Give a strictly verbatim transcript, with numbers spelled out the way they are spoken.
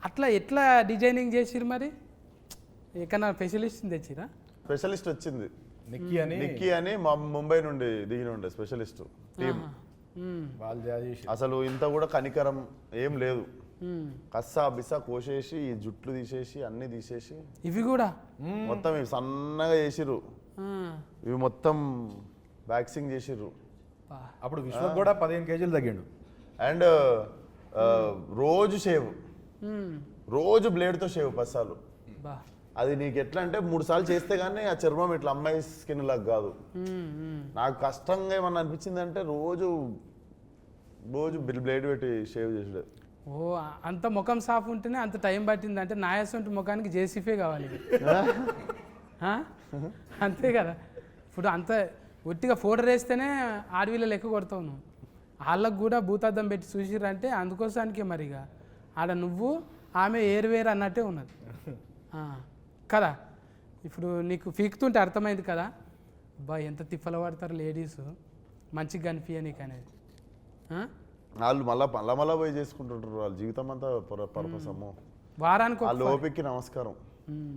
అట్లా ఎట్లా డిజైనింగ్ చేసిరు మరి ఎక్కడన్నా స్పెషలిస్ట్ తెచ్చిరా? స్పెషలిస్ట్ వచ్చింది నిక్కీ అని నిక్కీ అని మా ముంబై నుండి దిగిన ఉండే స్పెషలిస్ట్ టీం. వాళ్ళు చేసి అసలు ఇంత కూడా కనికరం ఏం లేదు. కస్సా బిస్సా కోసేసి ఈ జుట్లు తీసేసి అన్ని తీసేసి ఇవి కూడా మొత్తం ఇవి సన్నగా చేసిర్రు. ఇవి మొత్తం వ్యాక్సింగ్ చేసిర్రు. అప్పుడు విశ్వక్ కూడా పదిహేను కేజీలు తగ్గిండు. అండ్ రోజు షేవ్, రోజు బ్లేడ్తో షేవ్ పస్సాలు. బా అది నీకు ఎట్లా అంటే మూడు సార్లు చేస్తే కానీ ఆ చర్మం ఇట్లా అమ్మాయి స్కిన్ లాగా కాదు. నాకు కష్టంగా ఏమన్నా అనిపించింది అంటే రోజు రోజు బ్లేడ్ పెట్టి షేవ్ చేసాడు. ఓ అంత ముఖం సాఫ్ ఉంటేనే అంత టైం పట్టింది అంటే నాయసంటి ముఖానికి జేసీఫే కావాలి. ఆ? అంతే కదా. ఇప్పుడు అంత ఒట్టిగా ఫోటో వేస్తేనే ఆడవిలో లెక్క కొడతావు నువ్వు. వాళ్ళకు కూడా భూతార్థం పెట్టి చూసిరంటే అందుకోసానికే మరిగా ఆడ నువ్వు ఆమె ఏరువేరు అన్నట్టే ఉన్నది కదా. ఇప్పుడు నీకు పీకుతుంటే అర్థమైంది కదా బా ఎంత తిప్పలు పడతారు లేడీస్ మంచిగా కనిపించ నీకు అనేది. వాళ్ళు మళ్ళా మళ్ళా మళ్ళా పోయి చేసుకుంటుంటారు వాళ్ళ జీవితం అంతా పర్పస్. అమ్మో వారానికి వాళ్ళ ఓపికకి నమస్కారం.